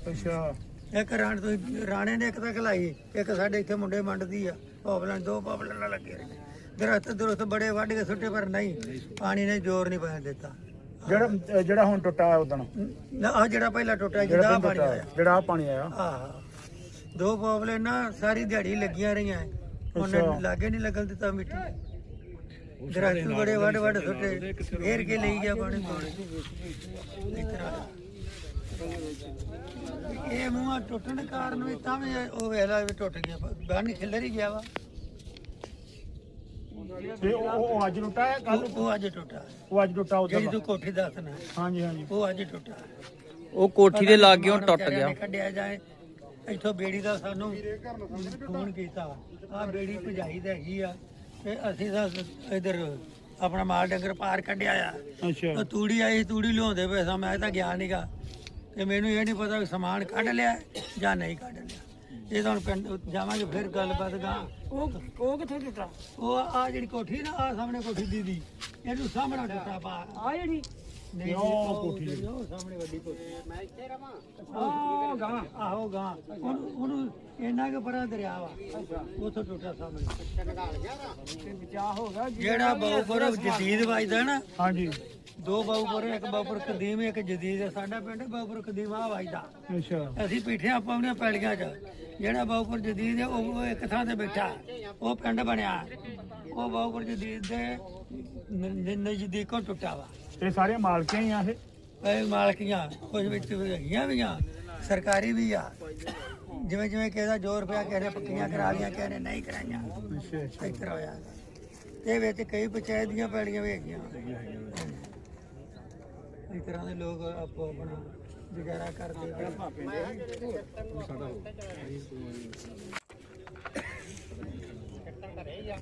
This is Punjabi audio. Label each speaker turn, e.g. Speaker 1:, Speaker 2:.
Speaker 1: ਅੱਛਾ
Speaker 2: ਇੱਕ ਰਾਣੇ ਨੇ ਇੱਕ ਤਾਂ ਖਲਾਈ, ਇੱਕ ਸਾਡੇ ਇੱਥੇ ਮੁੰਡੇ ਮੰਡਦੀ ਆ ਪੌਪਲਾਂ, 2 ਪੌਪਲਾਂ ਲੱਗੇ ਰਹੇ। ਦਰਖਤ ਬੜੇ ਵੱਢ ਕੇ ਸੁੱਟੇ, ਪਰ ਨਹੀਂ, ਪਾਣੀ ਨੇ ਜ਼ੋਰ ਨਹੀਂ ਪੈਣ ਦਿੱਤਾ।
Speaker 1: ਜਿਹੜਾ ਹੁਣ ਟੁੱਟਾ ਉਦਣ,
Speaker 2: ਆ ਜਿਹੜਾ ਪਹਿਲਾਂ ਟੁੱਟਿਆ ਜਿਹੜਾ ਪਾਣੀ ਆਇਆ,
Speaker 1: ਜਿਹੜਾ ਆ ਪਾਣੀ ਆਇਆ,
Speaker 2: ਆਹ 2 ਪੌਪਲੇ ਨਾ ਸਾਰੀ ਦਿਹਾੜੀ ਲੱਗੀਆਂ ਰਹੀਆਂ, ਉਹਨੇ ਲਾਗੇ ਨਹੀਂ ਲੱਗਣ ਦਿੱਤਾ ਮਿੱਟੀ। ਦਰਖਤ ਬੜੇ ਵੱਢ ਸੁੱਟੇ, ਫੇਰ ਕੇ ਲਈ ਗਿਆ ਪਾਣੀ ਇਸ ਤਰ੍ਹਾਂ। ਇਹ ਮੂੰਹਾਂ ਟੁੱਟਣ ਕਾਰਨ ਵੀ ਤਾਂ ਵੀ ਉਹ ਵੇਲਾ ਵੀ ਟੁੱਟ ਗਿਆ, ਬੰਨ ਖਿੱਲਰ ਹੀ ਗਿਆ ਵਾ।
Speaker 1: ਤੇ ਉਹ ਅੱਜ ਟੁੱਟਾ ਹੈ, ਕੱਲ
Speaker 2: ਉਹ ਅੱਜ ਟੁੱਟਾ,
Speaker 1: ਉਹ ਅੱਜ ਟੁੱਟਾ ਉਦੋਂ
Speaker 2: ਜਿਹੜੀ ਤੂੰ ਕੋਠੀ ਦੱਸਣਾ।
Speaker 1: ਹਾਂਜੀ ਹਾਂਜੀ,
Speaker 2: ਉਹ ਅੱਜ ਟੁੱਟਾ,
Speaker 3: ਉਹ ਕੋਠੀ ਦੇ ਲਾਗੇ ਹੁਣ ਟੁੱਟ ਗਿਆ।
Speaker 2: ਕੱਢਿਆ ਜਾਏ ਇੱਥੋਂ ਬੇੜੀ ਦਾ ਸਾਨੂੰ ਫੋਨ ਕੀਤਾ, ਆਹ ਬੇੜੀ ਭਜਾਈ ਤਾਂ ਹੈਗੀ ਆ, ਤੇ ਅਸੀਂ ਤਾਂ ਇਧਰ ਆਪਣਾ ਮਾਲ ਡੰਗਰ ਪਾਰ ਕੱਢਿਆ ਆ।
Speaker 1: ਅੱਛਾ
Speaker 2: ਤੂੜੀ ਆਈ, ਤੂੜੀ ਲਿਆਉਂਦੇ ਪਏ ਸਾਂ, ਮੈਂ ਤਾਂ ਗਿਆ ਨੀਗਾ, ਤੇ ਮੈਨੂੰ ਇਹ ਨਹੀਂ ਪਤਾ ਵੀ ਸਮਾਨ ਕੱਢ ਲਿਆ ਜਾਂ ਨਹੀਂ ਕੱਢ ਲਿਆ। ਇਹ ਤਾਂ ਹੁਣ ਪਿੰਡ ਜਾਵਾਂਗੇ ਫਿਰ ਗੱਲਬਾਤ ਗਾ।
Speaker 4: ਉਹ ਕਿੱਥੇ ਟੁੱਟਾ?
Speaker 2: ਉਹ ਆ ਜਿਹੜੀ ਕੋਠੀ ਨਾ, ਆ ਸਾਹਮਣੇ ਕੋਠੀ ਦੀਦੀ, ਇਹਨੂੰ ਸਾਹਮਣਾ ਟੁੱਟਾ ਪਾ
Speaker 4: ਆ ਜਿਹੜੀ
Speaker 2: ਨਹੀਂ ਉਹ ਕੋਠੀ, ਉਹ ਸਾਹਮਣੇ ਵੱਡੀ ਕੋਠੀ, ਮੈਂ ਇੱਥੇ ਰਵਾਂ, ਆਹ ਗਾਂ, ਆਹੋ ਗਾਂ, ਉਹਨੂੰ ਇੰਨਾ ਕੁ ਪਰਾਂ ਦਰਿਆ ਵਾ, ਉੱਥੋਂ ਟੁੱਟਾ ਸਾਹਮਣੇ।
Speaker 4: ਤੇ ਬਚਾ ਹੋ ਗਿਆ।
Speaker 2: ਜਿਹੜਾ ਬਾਉਪੁਰ ਜਦੀਦ ਵੱਜਦਾ ਨਾ,
Speaker 1: ਹਾਂਜੀ,
Speaker 2: 2 ਬਾਉਪੁਰ, ਇੱਕ ਬਾਉਪੁਰ ਕਦੀਮ, ਇੱਕ ਜਦੀਦ ਹੈ। ਸਾਡਾ ਪਿੰਡ ਬਾਉਪੁਰ ਕਦੀਮ ਆ ਵੱਜਦਾ।
Speaker 1: ਅੱਛਾ
Speaker 2: ਅਸੀਂ ਬੈਠੇ ਆਪਾਂ ਆਪਣੀਆਂ ਪੈਲੀਆਂ 'ਚ, ਜਿਹੜਾ ਬਾਉਪੁਰ ਜਦੀਦ ਹੈ ਉਹ ਇੱਕ ਥਾਂ ਤੇ ਬੈਠਾ, ਉਹ ਪਿੰਡ ਬਣਿਆ। ਉਹ ਬਾਉਪੁਰ ਜਦੀਦ ਦੇ ਨਜ਼ਦੀਕੋਂ ਟੁੱਟਾ ਵਾ।
Speaker 1: ਇਹ ਸਾਰੀਆਂ ਮਾਲਕੀਆਂ ਹੀ ਆ
Speaker 2: ਇਹ ਮਾਲਕੀਆਂ ਕੁਝ ਵਿੱਚ ਹੈਗੀਆਂ ਵੀ ਆ, ਸਰਕਾਰੀ ਵੀ ਆ। ਜਿਵੇਂ ਜਿਵੇਂ ਕਿਸੇ ਦਾ ਜ਼ੋਰ ਪਿਆ, ਕਿਸੇ ਨੇ ਪੱਕੀਆਂ ਕਰਾ ਲਈਆਂ, ਕਿਸੇ ਨੇ ਨਹੀਂ ਕਰਾਈਆਂ।
Speaker 1: ਅੱਛਾ
Speaker 2: ਇਸ ਤਰ੍ਹਾਂ ਹੋਇਆ। ਤੇ ਵਿੱਚ ਕਈ ਪੰਚਾਇਤ ਦੀਆਂ ਪੈਲੀਆਂ ਵੀ ਹੈਗੀਆਂ। ਇਸ ਤਰ੍ਹਾਂ ਦੇ ਲੋਕ ਆਪੋ ਆਪਣਾ ਗੁਜ਼ਾਰਾ ਕਰਦੇ ਆ।